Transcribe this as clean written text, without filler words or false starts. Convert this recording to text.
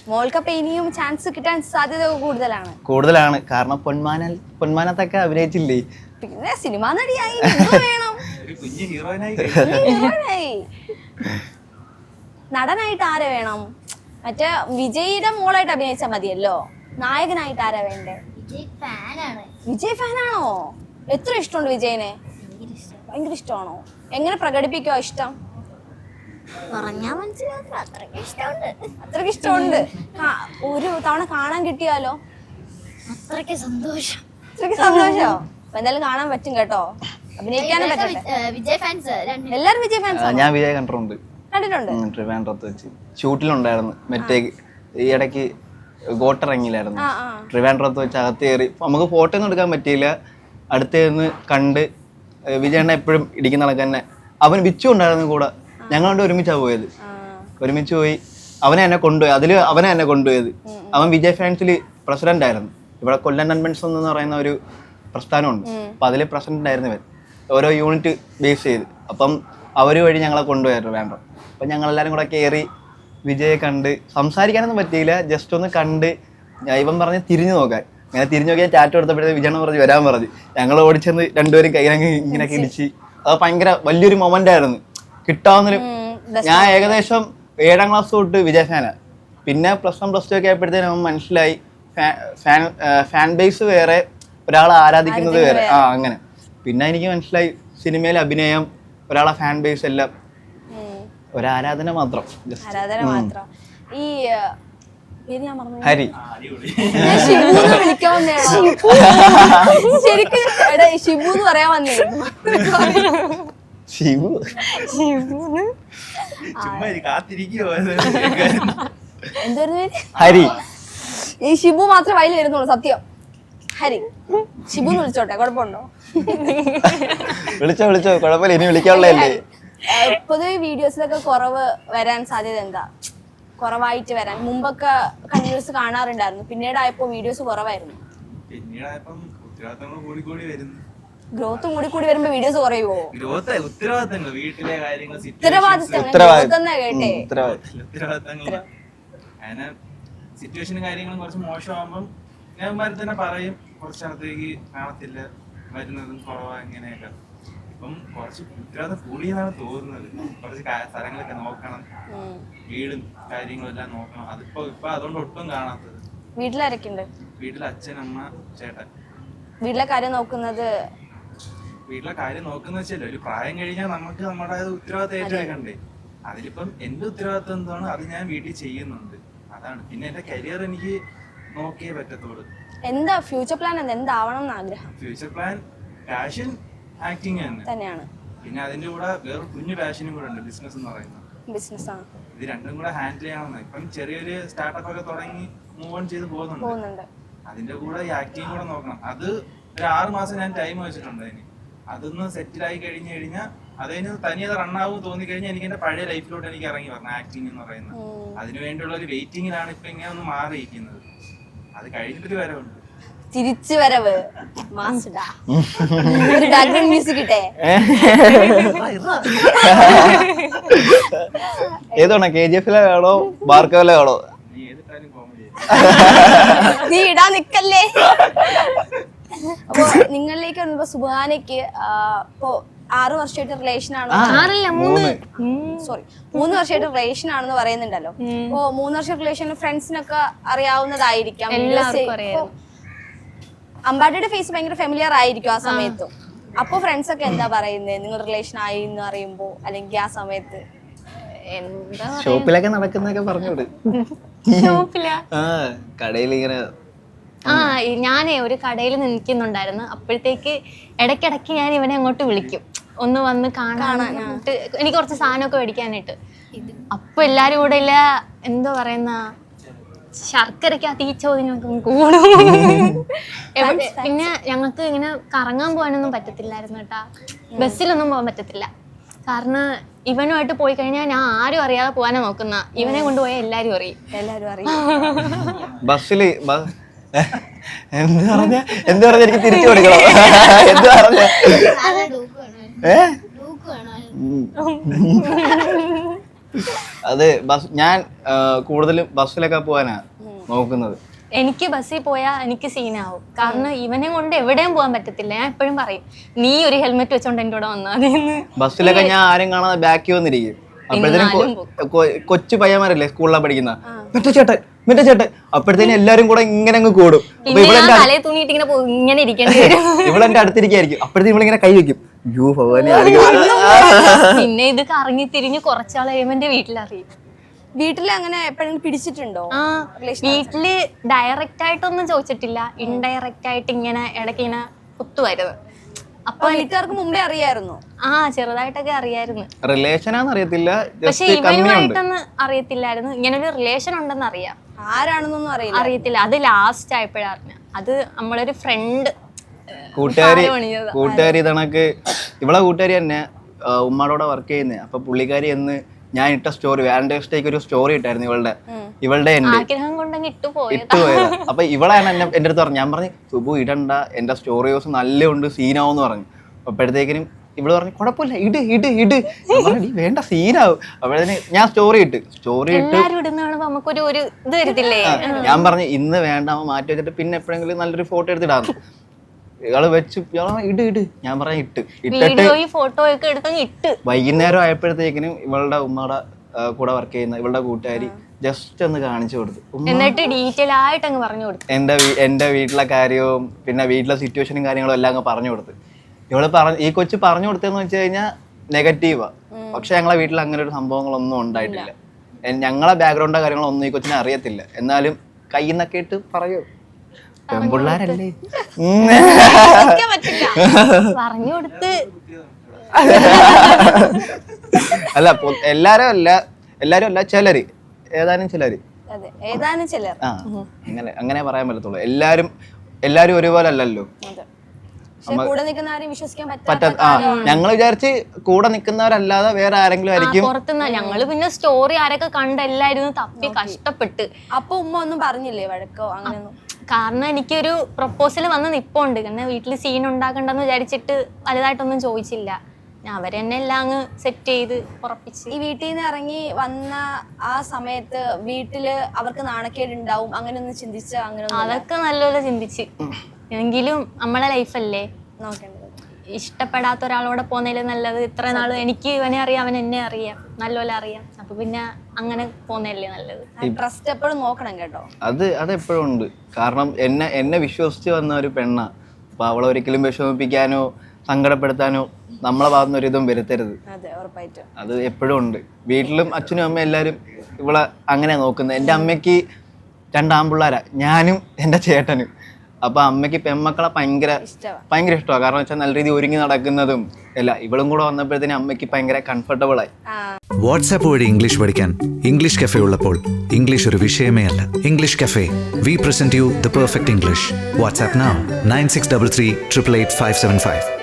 മോൾക്കപ്പൊ ഇനിയും ചാൻസ് കിട്ടാൻ സാധ്യത കൂടുതലാണ്. കാരണം പൊന്മാനത്തൊക്കെ അഭിനയിച്ചില്ലേ, പിന്നെ സിനിമാ നടിയായി വേണം. നടനായിട്ട് ആരെ വേണം? മറ്റേ വിജയിയുടെ മോളായിട്ട് അഭിനയിച്ചാൽ മതിയല്ലോ. നായകനായിട്ട് ആരാ വേണ്ടേ? വിജയ് ഫാനാണോ? എത്ര ഇഷ്ടമുണ്ട് വിജയനെ? ഭയങ്കര ഇഷ്ടമാണോ? എങ്ങനെ പ്രകടിപ്പിക്കോ ഇഷ്ടം? അത്രയ്ക്ക് ഇഷ്ടമുണ്ട്. ഒരു തവണ കാണാൻ കിട്ടിയാലോ? അത്രയ്ക്ക് സന്തോഷം. എന്തായാലും കാണാൻ പറ്റും കേട്ടോ, അഭിനയിക്കാനും പറ്റട്ടെ. എല്ലാരും വിജയ് ഫാൻസ്. ഞാൻ വിജയ് കണ്ടിട്ടുണ്ട്. കണ്ടിട്ടുണ്ട്. വെച്ച് ഷൂട്ടിലുണ്ടായിരുന്നു. മറ്റേ ഈ ഇടയ്ക്ക് ഗോട്ടിറങ്ങിയില്ലായിരുന്നു, ട്രിവാൻഡ്രത്ത് വെച്ച് അകത്ത് കയറി. നമുക്ക് ഫോട്ടോ ഒന്നും എടുക്കാൻ പറ്റിയില്ല. അടുത്ത് നിന്ന് കണ്ട് വിജയണ്ണ എപ്പോഴും ഇടിക്കുന്ന കണക്ക് തന്നെ. അവൻ വിച്ചു ഉണ്ടായിരുന്നു കൂടെ. ഞങ്ങളുണ്ട് ഒരുമിച്ചാണ് പോയത്. ഒരുമിച്ച് പോയി. അവനെ എന്നെ കൊണ്ടുപോയത്. അവൻ വിജയ് ഫാൻസിൽ പ്രസിഡന്റ് ആയിരുന്നു. ഇവിടെ കൊല്ലം കൺവെൻഷൻ എന്ന് പറയുന്ന ഒരു പ്രസ്ഥാനമുണ്ട്. അപ്പം അതിൽ പ്രസിഡന്റ് ആയിരുന്നു ഇവൻ, ഓരോ യൂണിറ്റ് ബേസ് ചെയ്ത്. അപ്പം അവർ വഴി ഞങ്ങളെ കൊണ്ടുപോയായിരുന്നു വേണ്ട. അപ്പം ഞങ്ങളെല്ലാവരും കൂടെ കയറി വിജയെ കണ്ട്. സംസാരിക്കാനൊന്നും പറ്റിയില്ല, ജസ്റ്റ് ഒന്ന് കണ്ട്. ഇവൻ പറഞ്ഞ് തിരിഞ്ഞു നോക്കാൻ. അങ്ങനെ തിരിഞ്ഞു നോക്കിയാൽ ടാറ്റു എടുത്തപ്പോഴത്തേക്ക് വിജയണ്ണ പറഞ്ഞ് വരാൻ പറഞ്ഞ്. ഞങ്ങൾ ഓടിച്ചെന്ന് രണ്ടുപേരും കൈയിലങ്ങ് ഇങ്ങനെയൊക്കെ ഇടിച്ച്. അത് ഭയങ്കര വലിയൊരു മൊമെന്റ് ആയിരുന്നു. കിട്ടാവുന്നൊരു. ഞാൻ ഏകദേശം 7ാം ക്ലാസ് തൊട്ട് വിജയ് ഫാനാണ്. പിന്നെ +1 +2 ഒക്കെ ആയപ്പോഴത്തേനും മനസ്സിലായി ഫാൻ ബേസ് വേറെ, ഒരാളെ ആരാധിക്കുന്നത് വേറെ. അങ്ങനെ പിന്നെ എനിക്ക് മനസ്സിലായി സിനിമയിലെ അഭിനയം, ഒരാളെ ഫാൻ ബേസ് എല്ലാം ഒരാരാധന മാത്രം. ഈ ഹരി ശരിക്കും ഷിബു എന്ന് പറയാൻ വന്നേ. ഹരി. ഈ ഷിബു മാത്രമേ വയലിൽ വരുന്നുള്ളൂ. സത്യം. ഹരി ഷിബു എന്ന് വിളിച്ചോട്ടെ, കുഴപ്പമുണ്ടോ? വിളിച്ചോ കുഴപ്പമില്ല, ഇനി വിളിക്കാനുള്ളതല്ലേ. പൊതുവെ വീഡിയോസിലൊക്കെ കുറവ് വരാൻ സാധ്യത എന്താ? കുറവായിട്ട് വരാൻ മുമ്പൊക്കെ കണ്ടിന്യൂസ് കാണാറുണ്ടായിരുന്നു, പിന്നീടായപ്പോ വീഡിയോസ് കുറവായിരുന്നു. ഗ്രോത്ത് കൂടി വരുമ്പോ വീഡിയോസ് കുറയുമോ? സിറ്റുവേഷനും കാര്യങ്ങളും കുറച്ച് മോശമാകുമ്പം ഞാൻ തന്നെ പറയും, കുറച്ചിടത്തേക്ക് കാണത്തില്ല, വരുന്നതും കുറവാ ഇങ്ങനെയൊക്കെ. ഇപ്പം കുറച്ച് ഉത്തരവാദിത്തം കൂടിയെന്നാണ് തോന്നുന്നത്. കുറച്ച് സ്ഥലങ്ങളൊക്കെ നോക്കണം, വീടും കാര്യങ്ങളും എല്ലാം നോക്കണം. ഇപ്പൊ അതുകൊണ്ട് ഒട്ടും കാണാത്തത്. വീട്ടിലാരൊക്കെ ഉണ്ട്? വീട്ടിൽ അച്ഛൻ, അമ്മ, ചേട്ടൻ. വീട്ടിലെ കാര്യം നോക്കുന്നത് വെച്ചല്ലോ, ഒരു പ്രായം കഴിഞ്ഞാൽ നമുക്ക് നമ്മുടെ ഉത്തരവാദിത്തം ഏറ്റെടുക്കണ്ടേ. അതിലിപ്പം എന്റെ ഉത്തരവാദിത്തം എന്താണ്, അത് ഞാൻ വീട്ടിൽ ചെയ്യുന്നുണ്ട്. അതാണ്. പിന്നെ എന്റെ കരിയർ എനിക്ക് നോക്കിയേ പറ്റത്തുള്ളൂ. എന്താ ഫ്യൂച്ചർ പ്ലാൻ? എന്താവണം ആഗ്രഹം? ഫ്യൂച്ചർ പ്ലാൻ പാഷൻ ആക്ടിങ് തന്നെയാണ്. പിന്നെ അതിന്റെ കൂടെ വേറെ കുഞ്ഞു പാഷനും കൂടെ ഉണ്ട്, ബിസിനസ് എന്ന് പറയുന്നത്. ബിസിനസ്സാണ്. ഇത് രണ്ടും കൂടെ ഹാൻഡിൽ ചെയ്യണമെന്ന്. ഇപ്പം ചെറിയൊരു സ്റ്റാർട്ടപ്പ് ഒക്കെ തുടങ്ങി മൂവ് ഓൺ ചെയ്ത് പോകുന്നുണ്ട്. അതിന്റെ കൂടെ ഈ ആക്ടിങ് കൂടെ നോക്കണം. അത് ഒരു 6 മാസം ഞാൻ ടൈം വെച്ചിട്ടുണ്ട് അതിന്. അതൊന്ന് സെറ്റിലായി കഴിഞ്ഞാൽ അതിന് തനിയെ റണ്ണാവും തോന്നിക്കഴിഞ്ഞാൽ എനിക്ക് എന്റെ പഴയ ലൈഫിലോട്ട് എനിക്ക് ഇറങ്ങി വരണം. ആക്ടിങ് എന്ന് പറയുന്നത് അതിനു വേണ്ടിയുള്ള ഒരു വെയിറ്റിംഗിലാണ് ഇപ്പൊ ഇങ്ങനെ ഒന്ന് മാറിയിരിക്കുന്നത്. അത് കഴിഞ്ഞിട്ടൊരു വരവുണ്ട്, തിരിച്ചു വരവ്. ഒരു ബാക്ക്ഗ്രൗണ്ട് മ്യൂസിക് ഇട്ടേ. ഏതാണോ, KGF-ലെ വേണോ ഭാർഗവിലെ വേണോ? നീ ഇടാൻ നിക്കല്ലേ. അപ്പൊ നിങ്ങളിലേക്ക് വന്നപ്പോ സുബാനയ്ക്ക് ഇപ്പൊ 6 വർഷമായിട്ട് റിലേഷൻ ആണ്. 3 വർഷമായിട്ട് റിലേഷൻ ആണെന്ന് പറയുന്നുണ്ടല്ലോ. അപ്പൊ 3 വർഷം റിലേഷൻ ഫ്രണ്ട്സിനൊക്കെ അറിയാവുന്നതായിരിക്കാം. അമ്പാടിയുടെ ഫേസ് ഭയങ്കര ഫെമിലിയർ ആയിരിക്കും ആ സമയത്തും. അപ്പൊ ഫ്രണ്ട്സ് ഒക്കെ എന്താ പറയുന്നത് നിങ്ങൾ റിലേഷൻ ആയി എന്ന് അറിയുമ്പോ, അല്ലെങ്കിൽ ആ സമയത്ത്? ഷോപ്പിലൊക്കെ നടക്കുന്നൊക്കെ പറഞ്ഞോട്. കടയിൽ ഇങ്ങനെ ഞാനേ ഒരു കടയിൽ നിൽക്കുന്നുണ്ടായിരുന്നു. അപ്പോഴത്തേക്ക് ഇടയ്ക്കിടയ്ക്ക് ഞാൻ ഇവനെ അങ്ങോട്ട് വിളിക്കും, ഒന്ന് വന്ന് കാണാനായിട്ട്, എനിക്ക് കുറച്ച് സാധനമൊക്കെ മേടിക്കാനായിട്ട്. അപ്പൊ എല്ലാരും കൂടെ ഇല്ല എന്തോ പറയുന്ന ശർക്കരക്കകത്ത് ഈ ചോദ്യങ്ങൾക്ക് കൂടും. പിന്നെ ഞങ്ങൾക്ക് ഇങ്ങനെ കറങ്ങാൻ പോകാനൊന്നും പറ്റത്തില്ലായിരുന്നു കേട്ടാ. ബസ്സിലൊന്നും പോകാൻ പറ്റത്തില്ല. കാരണം ഇവനുമായിട്ട് പോയി കഴിഞ്ഞാൽ ഞാൻ ആരും അറിയാതെ പോകാനാ നോക്കുന്ന. ഇവനെ കൊണ്ടുപോയാൽ എല്ലാരും അറിയും. ബസ്സില് എന്ത് പറഞ്ഞ എനിക്ക് തിരിച്ചു കൊടുക്കണം. എന്ത് പറഞ്ഞ അത് ഞാൻ കൂടുതലും ബസ്സിലൊക്കെ പോകാനാ നോക്കുന്നത്. എനിക്ക് ബസ്സിൽ പോയാൽ എനിക്ക് സീനാവും. കാരണം ഇവനെ കൊണ്ട് എവിടെയും പോകാൻ പറ്റത്തില്ല. ഞാൻ എപ്പോഴും പറയും, നീ ഒരു ഹെൽമെറ്റ് വെച്ചോണ്ട് എൻ്റെ കൂടെ വന്നാൽ മതി. ബസ്സിലൊക്കെ ഞാൻ ആരും കാണാതെ ബാക്കി വന്നിരിക്കും. അപ്പോഴത്തേനും കൊച്ചു പയ്യന്മാരല്ലേ സ്കൂളിലാണ് പഠിക്കുന്ന, മറ്റേ ചേട്ടൻ അപ്പോഴത്തേനും എല്ലാരും കൂടെ ഇങ്ങനെ അങ്ങ് കൂടും. തലേ തൂങ്ങിയിട്ട് ഇങ്ങനെ ഇങ്ങനെ ഇരിക്കേണ്ടി വരും. ഇവളെന്റെ അടുത്തിരിക്കായിരിക്കും. അപ്പോഴത്തേക്കും ഇവളിങ്ങനെ കൈ വെക്കും. പിന്നെ ഇത് കറങ്ങി തിരിഞ്ഞ് കുറച്ചാൾ കഴിയുമ്പോൾ എന്റെ വീട്ടിലറിയും. വീട്ടില് അങ്ങനെ എപ്പോഴും പിടിച്ചിട്ടുണ്ടോ? ആ, വീട്ടില് ഡയറക്റ്റ് ആയിട്ടൊന്നും ചോദിച്ചിട്ടില്ല, ഇൻഡയറക്റ്റ് ആയിട്ട് ഇങ്ങനെ ഇടയ്ക്ക് ഇങ്ങനെ കുത്തുമായിരുന്നു. അപ്പൊ വീട്ടുകാർക്ക് മുമ്പേ അറിയായിരുന്നു? ആ, ചെറുതായിട്ടൊക്കെ അറിയായിരുന്നു. റിലേഷനാന്ന് അറിയത്തില്ല, പക്ഷെ ഇവനുമായിട്ടൊന്നും അറിയത്തില്ലായിരുന്നു. ഇങ്ങനെ ഒരു റിലേഷൻ ഉണ്ടെന്ന് അറിയാം, ആരാണെന്നൊന്നും അറിയത്തില്ല. അത് ലാസ്റ്റ് ആയപ്പോഴാ അറിഞ്ഞ. അത് നമ്മളൊരു ഫ്രണ്ട് കൂട്ടുകാരി ഇതണക്ക് ഇവളെ കൂട്ടുകാരി തന്നെ ഉമ്മാടോടെ വർക്ക് ചെയ്യുന്നേ. അപ്പൊ പുള്ളിക്കാരി എന്ന് ഞാൻ ഇട്ട സ്റ്റോറി, വാലന്റൈൻസ് ഡേക്ക് ഒരു സ്റ്റോറി ഇട്ടായിരുന്നു ഇവളുടെ എന്റെ ആഗ്രഹം കൊണ്ടങ്ങ് ഇട്ടുപോയത്. അപ്പൊ ഇവളാണ് എന്റെ അടുത്ത് പറഞ്ഞു. ഞാൻ പറഞ്ഞു സുബു ഇടണ്ട, എന്റെ സ്റ്റോറി ദിവസം നല്ല ഉണ്ട്, സീനാവെന്ന് പറഞ്ഞു. അപ്പോഴത്തേക്കിനും ഇവള് പറഞ്ഞു കുഴപ്പമില്ല, ഇട് ഇട് ഇട്. വേണ്ട, സീനാവും. അപ്പോഴത്തേന് ഞാൻ സ്റ്റോറി ഇട്ട് നമുക്കൊരു ഇത് വരത്തില്ലേ. ഞാൻ പറഞ്ഞു ഇന്ന് വേണ്ട, മാറ്റി വെച്ചിട്ട് പിന്നെ എപ്പോഴെങ്കിലും നല്ലൊരു ഫോട്ടോ എടുത്തിടാന്ന്. ഇയാള് വെച്ച് ഇട് ഇട്. ഞാൻ പറഞ്ഞ ഇട്ടിട്ട് ഫോട്ടോ ഒക്കെ എടുത്തങ്ങ് ഇട്ട്. വൈകുന്നേരം ആയപ്പോഴത്തേക്കിനും ഇവളുടെ ഉമ്മയുടെ കൂടെ വർക്ക് ചെയ്യുന്ന ഇവളുടെ കൂട്ടുകാരി ജസ്റ്റ് ഒന്ന് കാണിച്ചു കൊടുത്തു. എന്നിട്ട് ഡീറ്റെയിൽ ആയിട്ട് അങ്ങ് പറഞ്ഞു കൊടുത്തു. എന്റെ വീട്ടിലെ കാര്യവും പിന്നെ വീട്ടിലെ സിറ്റുവേഷനും കാര്യങ്ങളും എല്ലാം അങ്ങ് പറഞ്ഞു കൊടുത്ത്. ഈ കൊച്ചു പറഞ്ഞു കൊടുത്തതെന്ന് വെച്ച് കഴിഞ്ഞാൽ നെഗറ്റീവാ. പക്ഷെ ഞങ്ങളെ വീട്ടിൽ അങ്ങനെ ഒരു സംഭവങ്ങളൊന്നും ഉണ്ടായിട്ടില്ല. ഞങ്ങളെ ബാക്ക്ഗ്രൗണ്ടോ കാര്യങ്ങളൊന്നും ഈ കൊച്ചിനെ അറിയത്തില്ല. എന്നാലും കയ്യിൽ നിന്നൊക്കെ ഇട്ട് പറയൂ, പെൺപിള്ളാരല്ലേ. പറഞ്ഞു കൊടുത്ത് അല്ല, എല്ലാരും അല്ല, ചിലര്, ഏതാനും ചിലര്. ആ, അങ്ങനെ പറയാൻ പറ്റത്തുള്ളൂ. എല്ലാരും ഒരുപോലെ അല്ലല്ലോ. ഞങ്ങൾ വിചാരിച്ച് കൂടെ നിൽക്കുന്നവരല്ലാതെ വേറെ ആരെങ്കിലും ആയിരിക്കും പുറത്തുനിന്ന്. ഞങ്ങള് പിന്നെ സ്റ്റോറി ആരൊക്കെ കണ്ടെല്ലായിരുന്നു തപ്പി കഷ്ടപ്പെട്ട്. അപ്പൊ ഉമ്മ ഒന്നും പറഞ്ഞില്ലേ, വഴക്കോ അങ്ങനെയൊന്നും? കാരണം എനിക്കൊരു പ്രപ്പോസൽ വന്ന് നിപ്പുണ്ട്. കാരണം വീട്ടിൽ സീൻ ഉണ്ടാക്കണ്ടെന്ന് വിചാരിച്ചിട്ട് വലുതായിട്ടൊന്നും ചോദിച്ചില്ല. അവരെന്നെ എല്ലാം അങ്ങ് സെറ്റ് ചെയ്ത് ഉറപ്പിച്ച്. ഈ വീട്ടിൽ നിന്ന് ഇറങ്ങി വന്ന ആ സമയത്ത് വീട്ടില് അവർക്ക് നാണക്കേട് ഉണ്ടാവും, അങ്ങനെയൊന്നും ചിന്തിച്ച? അങ്ങനെ അതൊക്കെ നല്ലപോലെ ചിന്തിച്ച്. എങ്കിലും നമ്മളെ ലൈഫല്ലേ നോക്കേണ്ടത്. ഇഷ്ടപ്പെടാത്ത ഒരാളോടെ പോകുന്നതിൽ നല്ലത് ഇത്ര നാള് എനിക്ക് ഇവനെ അറിയാം, അവൻ എന്നെ അറിയാം, നല്ലപോലെ അറിയാം. അപ്പൊ പിന്നെ അങ്ങനെ പോകുന്നതല്ലേ നല്ലത്. ട്രസ്റ്റ് എപ്പോഴും നോക്കണം കേട്ടോ. അതെപ്പോഴും ഉണ്ട്. കാരണം എന്നെ വിശ്വസിച്ച് വന്ന ഒരു പെണ്ണ. അപ്പൊ അവളെ ഒരിക്കലും വിഷമിപ്പിക്കാനോ സങ്കടപ്പെടുത്താനോ നമ്മളെ ഭാഗത്തുനിന്ന് ഒരിതും വരുത്തരുത്. അത് എപ്പോഴും ഉണ്ട്. വീട്ടിലും അച്ഛനും അമ്മയും എല്ലാവരും ഇവളെ അങ്ങനെ നോക്കുന്നത്. എൻ്റെ അമ്മയ്ക്ക് 2 ആൺപിള്ളേരാ, ഞാനും എൻ്റെ ചേട്ടനും. അപ്പൊ അമ്മയ്ക്ക് പെൺമക്കളെ ഭയങ്കര ഇഷ്ടമാണ്. കാരണം വെച്ചാൽ നല്ല രീതിയിൽ ഒരുങ്ങി നടക്കുന്നതും എല്ലാം. ഇവളും കൂടെ വന്നപ്പോഴത്തേനും അമ്മയ്ക്ക് ഭയങ്കര കംഫർട്ടബിൾ ആയി. വാട്സാപ്പ് വഴി ഇംഗ്ലീഷ് പഠിക്കാൻ ഇംഗ്ലീഷ് കഫേ ഉള്ളപ്പോൾ ഇംഗ്ലീഷ് ഒരു വിഷയമേ അല്ല. English cafe, we present you the perfect English. WhatsApp now 9633 888 575.